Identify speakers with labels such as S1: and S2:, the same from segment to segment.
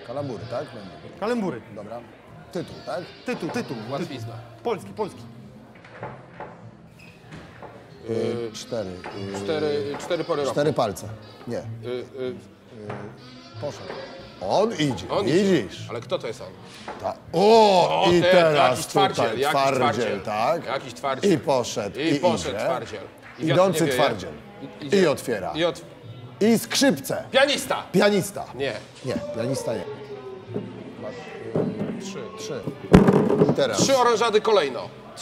S1: Kalambury, tak?
S2: Kalembury.
S1: Dobra. Tytuł, tak?
S2: Tytuł.
S3: Łatwizna.
S2: Polski.
S3: Cztery pory roku.
S1: 4 palce. Nie. Poszedł. On idzie,
S3: On
S1: widzisz?
S3: Ale kto to jest on?
S1: O, i teraz
S3: jakiś twardziel,
S1: tutaj twardziel, tak?
S3: Jakiś twardziel.
S1: I poszedł,
S3: I poszedł
S1: idzie.
S3: twardziel. I
S1: Idący
S3: wiatr nie wieje.
S1: twardziel. I otwiera. I skrzypce.
S3: Pianista!
S1: Pianista.
S3: Nie.
S1: Nie, pianista nie. 3. I teraz.
S3: 3 orężady kolejno.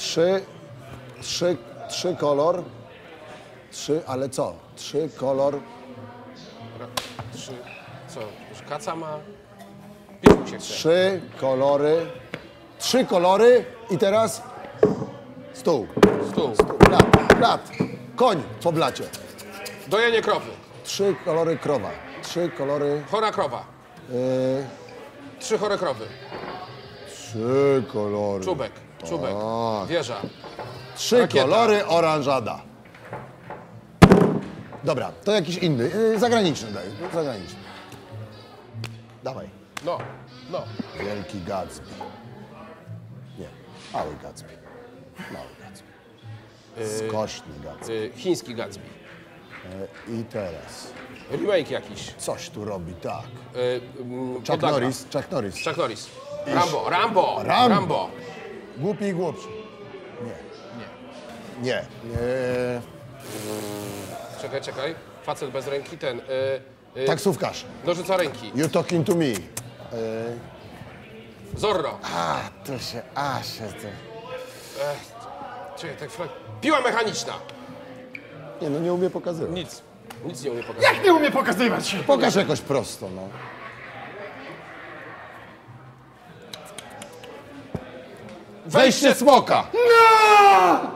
S1: 3 kolor. 3, ale co? 3 kolor.
S3: 3. Co? Już kaca ma? Pić się chce.
S1: 3 kolory. 3 kolory i teraz stół.
S3: Stół.
S1: Blat. Koń po blacie.
S3: Dojenie krowy.
S1: 3 kolory krowa. 3 kolory.
S3: Chora krowa. 3 chore krowy.
S1: 3 kolory.
S3: Czubek. Wieża.
S1: 3
S3: rakieta.
S1: kolory oranżada. Dobra, to jakiś inny. Zagraniczny daj. Zagraniczny. Dawaj.
S3: No.
S1: Wielki Gatsby. Nie. Mały Gatsby. Skośny Gatsby.
S3: Chiński Gatsby.
S1: I teraz.
S3: Remake jakiś.
S1: Coś tu robi tak. Chuck
S3: Podlaga.
S1: Norris.
S3: Chuck Norris. Rambo.
S1: Głupi i głupszy. Nie.
S3: Czekaj. Facet bez ręki, ten.
S1: Taksówkarz.
S3: Nożyca ręki.
S1: You talking to me.
S3: Zorro. Czekaj, tak chwilę. Piła mechaniczna.
S1: Nie, no nie umie pokazywać.
S3: Nic nie umie pokazać.
S2: Jak nie umie pokazywać?
S1: Pokaż jakoś prosto, no.
S3: Wejście
S1: smoka.
S2: No!